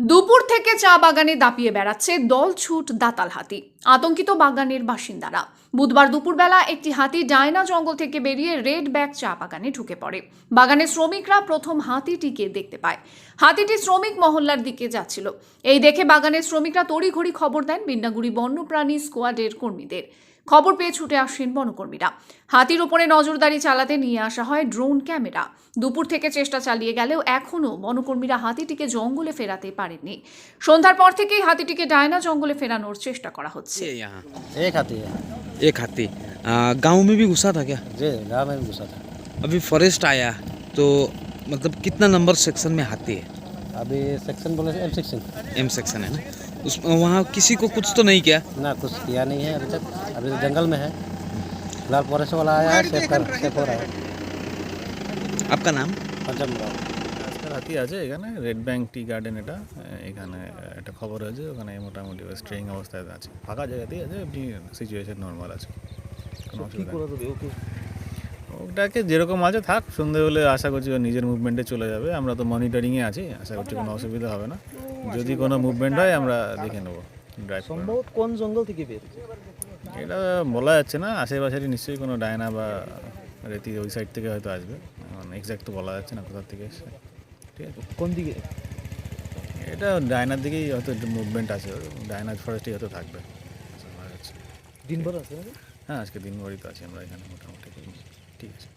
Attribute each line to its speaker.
Speaker 1: দুপুর থেকে চা বাগানে দাপিয়ে বেড়াচ্ছে দলছুট দাতাল হাতি। আতঙ্কিত বাগানের বাসিন্দারা। বুধবার দুপুরবেলা একটি হাতি ডায়না জঙ্গল থেকে বেরিয়ে রেড ব্যাক চা বাগানে ঢুকে পড়ে। বাগানের শ্রমিকরা প্রথম হাতিটিকে দেখতে পায়। হাতিটি শ্রমিক মহল্লার দিকে যাচ্ছিল। এই দেখে বাগানের শ্রমিকরা তড়িঘড়ি খবর দেন বিন্নাগুড়ি বন্যপ্রাণী স্কোয়াডের কর্মীদের। খবর পেয়ে ছুটে আসেন বনকর্মীরা। হাতির উপরে নজরদারি চালাতে নিয়ে আসা হয় ড্রোন ক্যামেরা। দুপুর থেকে চেষ্টা চালিয়ে গেলেও এখনও বনকর্মীরা হাতিটিকে জঙ্গলে ফেরাতে পারেননি। সন্ধ্যার পর থেকেই হাতিটিকে ডায়না জঙ্গলে ফেরানোর চেষ্টা করা হচ্ছে।
Speaker 2: यहाँ
Speaker 3: एक हाथी है।
Speaker 2: एक हाथी गांव में भी घुसा था क्या?
Speaker 3: जी गाँव में भी घुसा था।
Speaker 2: अभी फॉरेस्ट आया तो मतलब कितना नंबर सेक्शन में हाथी है?
Speaker 3: अभी सेक्शन बोले एम सेक्शन।
Speaker 2: एम सेक्शन है ना। उस वहाँ किसी को कुछ तो नहीं किया?
Speaker 3: ना कुछ किया नहीं है अभी तक। अभी तो जंगल में है। फिलहाल फॉरेस्ट वाला आया है, सेफ हो रहा है।
Speaker 2: आपका नाम?
Speaker 3: पंचम राव।
Speaker 4: আজকাল হাতি আছে এখানে রেড ব্যাঙ্ক টি গার্ডেন, এটা এখানে একটা খবর হয়েছে, ওখানে মোটামুটি স্ট্রেইং অবস্থায় আছে, ফাঁকা জায়গাতেই আছে, এমনি সিচুয়েশন নর্মাল আছে, কোনো অসুবিধা নেই। ওটাকে যেরকম আছে থাক, সন্ধে হলে আশা করছি ও নিজের মুভমেন্টে চলে যাবে। আমরা তো মনিটরিংয়ে আছি, আশা করছি কোনো অসুবিধা হবে না। যদি কোনো মুভমেন্ট হয় আমরা দেখে নেবো, ড্রাইভ
Speaker 5: সম্ভবত কোন জঙ্গল থেকে বেরিয়েছে
Speaker 4: এটা বলা যাচ্ছে না। আশেপাশেরই নিশ্চয়ই কোনো ডায়না বা রেতি ওই সাইড থেকে হয়তো আসবে, মানে এক্স্যাক্ট তো বলা যাচ্ছে না কোথা থেকে এসছে। ঠিক আছে,
Speaker 5: কোন দিকে?
Speaker 4: এটা ডায়নার দিকেই হয়তো মুভমেন্ট আছে, ডায়নার ফরেস্টেই হয়তো থাকবে আশা করা যাচ্ছে।
Speaker 5: দিনভর আছে নাকি?
Speaker 4: হ্যাঁ, আজকে দিনভরই তো আছি আমরা এখানে মোটামুটি। ঠিক আছে।